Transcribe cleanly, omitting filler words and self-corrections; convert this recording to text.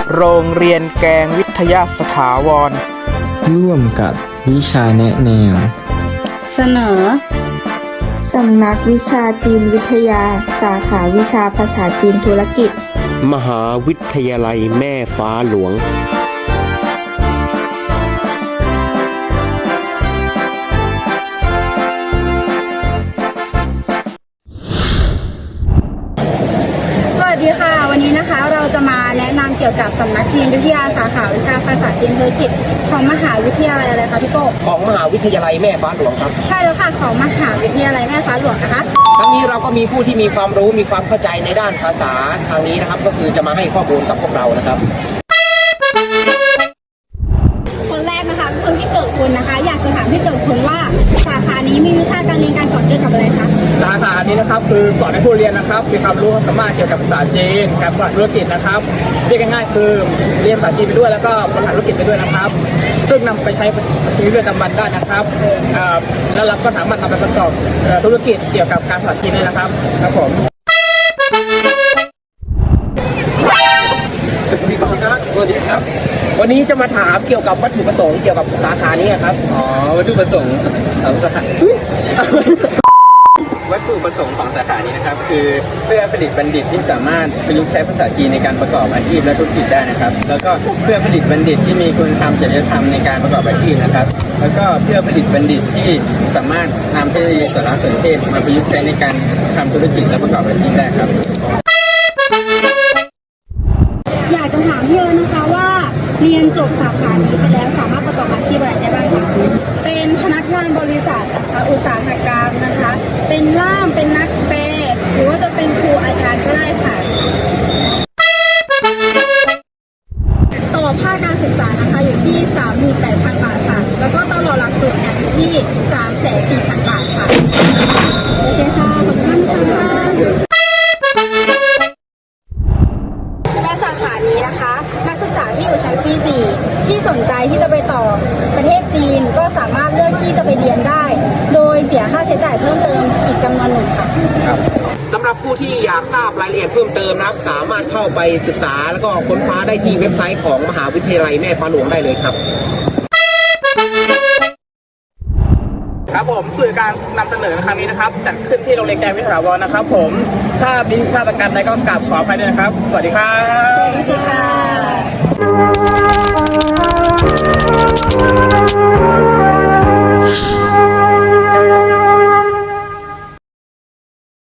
โรงเรียนแกงวิทยาสถาวรร่วมกับวิชาแนะแนวเสนอสำนักวิชาจีนวิทยาสาขาวิชาภาษาจีนธุรกิจมหาวิทยาลัยแม่ฟ้าหลวงสวัสดีค่ะวันนี้นะคะเราจะมาแนะนำเกี่ยวกับสำนักจีนวิทยาสาขาวิชาภาษาจีนธุรกิจของมหาวิทยาลัยอะไรคะพี่โก้ของมหาวิทยาลัยแม่ฟ้าหลวงครับใช่แล้วค่ะของมหาวิทยาลัยแม่ฟ้าหลวงนะคะทั้งนี้เราก็มีผู้ที่มีความรู้มีความเข้าใจในด้านภาษาทางนี้นะครับก็คือจะมาให้ข้อมูลกับพวกเรานะครับคนแรกนะคะคุณพี่เกิดคุณนะคะอยากจะถามพี่เกิดคุณว่าสาขานี้มีวิชาการเรียนการสอนเกี่ยวกับอะไรคะสาขานี้นะครับคือสอนให้ผู้เรียนนะครับมีความรู้ความสามารถเกี่ยวกับภาษาจีนการบริหารธุรกิจนะครับเรียกง่ายๆคือเรียนภาษาจีนไปด้วยแล้วก็บริหารธุรกิจไปด้วยนะครับซึ่งนำไปใช้ชีวิตประจำวันได้นะครับแล้วเราก็สามารถนำไปประกอบธุรกิจเกี่ยวกับการภาษาจีนได้นะครับครับผมสวัสดีครับวันนี้จะมาถามเกี่ยวกับวัตถุประสงค์เกี่ยวกับสาขานี้ครับวัตถุประสงค์ของสาขาวัตถุประสงค์ของสาขานี้นะครับคือเพื่อผลิตบัณฑิตที่สามารถประยุกต์ใช้ภาษาจีนในการประกอบอาชีพและธุรกิจได้นะครับแล้วก็เพื่อผลิตบัณฑิตที่มีคุณธรรมจริยธรรมในการประกอบอาชีพนะครับแล้วก็เพื่อผลิตบัณฑิตที่สามารถนำเทคโนโลยีสารสนเทศมาประยุกต์ใช้ในการทำธุรกิจและประกอบอาชีพได้ครับอยากจะถามพี่นะคะว่าเรียนจบสาขานี้ไปแล้วสามารถประกอบอาชีพอะไรได้บ้างคะเป็นพนักงานบริษัทนะคะอุตสาหกรรมนะคะเป็นล่ามเป็นนักแปลหรือว่าจะเป็นครูอาจารย์ก็ได้ค่ะต่อภาคการศึกษานะคะอยู่ที่ 38,000 บาทค่ะแล้วก็ตลอดหลักสูตรเนี่ยอยู่ที่ 340,000 บาทค่ะโอเคค่ะขอบคุณค่ะและสาขานี้นะคะนักศึกษาที่อยู่ชั้นปี 4 ที่สนใจที่จะไปต่อประเทศจีนก็สามารถเลือกที่จะไปเรียนได้โดยเสียค่าใช้จ่ายเพิ่มเติมอีกจำนวนหนึ่งค่ะสำหรับผู้ที่อยากทราบรายละเอียดเพิ่มเติมนะครับสามารถเข้าไปศึกษาแล้วก็ค้นคว้าได้ที่เว็บไซต์ของมหาวิทยาลัยแม่ฟ้าหลวงได้เลยครับครับผมสื่อการนำเสนอในครั้งนี้นะครับจัดขึ้นที่โรงเรียนแกงวิทยาลัยนะครับผมถ้ามีพลาดประการใดก็กราบขออภัยด้วยนะครับสวัสดีครับสวัสดีค่ะ